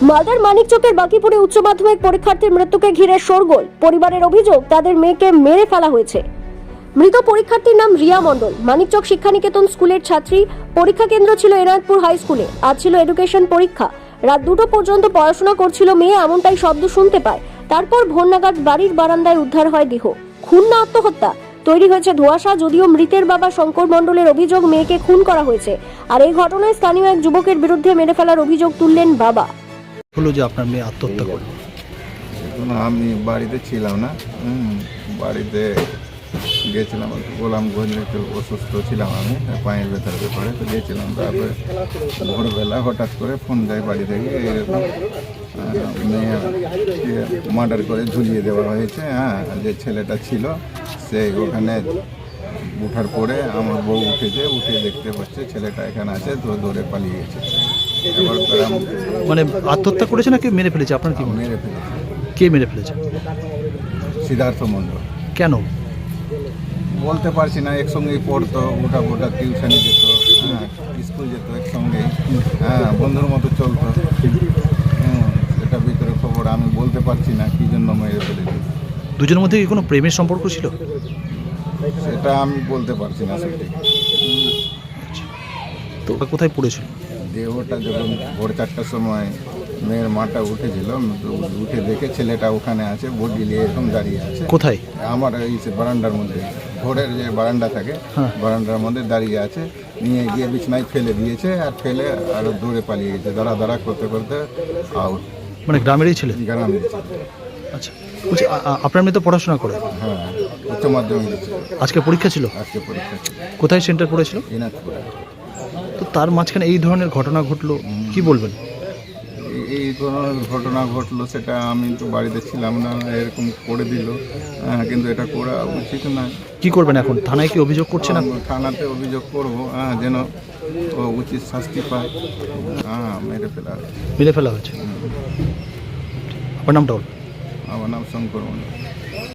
মালদার মানিকচকের বাকিপুরে উচ্চ মাধ্যমিক পরীক্ষার্থীর মৃত্যুকে ঘিরে শোরগোল। পরিবারের অভিযোগ তাদের মেয়েকে মেরে ফেলা হয়েছে। মৃত পরীক্ষার্থীর নাম রিয়া মণ্ডল, মানিকচক শিক্ষানিকেতন স্কুলের ছাত্রী। পরীক্ষা কেন্দ্র ছিল এনায়তপুর হাই স্কুলে। আজ ছিল এডুকেশন পরীক্ষা। রাত 2টো পর্যন্ত পড়াশোনা করছিল মেয়ে, এমনটাই শব্দ শুনতে পায়। তারপর ভোর নাগাদ বাড়ির বারান্দায় উদ্ধার হয় দেহ। খুন না আত্মহত্যা তৈরি হয়েছে ধোঁয়াশা। যদিও মৃতের বাবা শঙ্কর মণ্ডলের অভিযোগ মেয়েকে খুন করা হয়েছে। আর এই ঘটনায় স্থানীয় এক যুবকের বিরুদ্ধে মেরে ফেলার অভিযোগ তুললেন বাবা। হলো যে আপনার মেয়ে আত্মহত্যা করলো। আমি বাড়িতে ছিলাম না, বাড়িতে গেছিলাম গোলামগঞ্জ, একটু অসুস্থ ছিলাম, আমি পায়ের ব্যথার ব্যাপারে তো গেছিলাম। তারপরে ভোরবেলা হঠাৎ করে ফোন দেয় বাড়ি থেকে, এরকম মেয়েকে মার্ডার করে ঝুলিয়ে দেওয়া হয়েছে। যে ছেলেটা ছিল সে ওখানে উঠার পরে আমার বউ উঠে দেখতে পাচ্ছে ছেলেটা এখানে আছে, তো দৌড়ে পালিয়ে গেছে। এবার মানে আত্মহত্যা করেছে না কেউ মেরে ফেলেছে? আপনার কি মনে হয়? মেরে ফেলেছে। কে মেরে ফেলেছে? সিদ্ধার্থ মণ্ডল। কেন বলতে পারছি না, একসঙ্গেই পড়তো, ওটা টিউশনে যেত, স্কুল যেত একসঙ্গে, বন্ধুর মতো চলতো। সেটা ভিতরে খবর, আমি বলতে পারছি না কী জন্য মেরে ফেলেছি। দুজনের মধ্যে কি কোনো প্রেমের সম্পর্ক ছিল? সেটা আমি বলতে পারছি না সঠিক। তো কোথায় পড়েছিল? দেহটা যখন ভোর 4টার সময় মেয়ের মাটা উঠেছিল, উঠে দেখে ছেলেটা ওখানে আছে, বডি নিয়ে এরকম দাঁড়িয়ে আছে। কোথায়? আমার এই বারান্দার মধ্যে, ভোরের যে বারান্দা থাকে, বারান্দার মধ্যে দাঁড়িয়ে আছে। নিয়ে গিয়ে বিছনায় ফেলে দিয়েছে, আর ফেলে আরো দূরে পালিয়ে গেছে, দাঁড়া করতে করতে আউট। মানে গ্রামেরই ছিলেন? গ্রামে দিচ্ছে। আচ্ছা, বলছি আপনার মেয়ে তো পড়াশোনা করে? হ্যাঁ, উচ্চ মাধ্যমিক দিচ্ছে। আজকে পরীক্ষা ছিল? আজকে পরীক্ষা ছিল। কোথায় সেন্টার পড়েছিল? এনায়তপুরে। তো তার মাঝখানে এই ধরনের ঘটনা ঘটলো, কি বলবেন? এই ধরনের ঘটনা ঘটলো, সেটা আমি তো বাড়িতে ছিলাম না, এরকম করে দিল। কিন্তু এটা করা উচিত না। কি করবেন এখন? থানায় কি অভিযোগ করছেন? থানাতে অভিযোগ করবো, যেন ও উচিত শাস্তি পায়। মেরে ফেলা হয়েছে। আপনার নামটা বল। আমার নাম শঙ্কর মণ্ডল।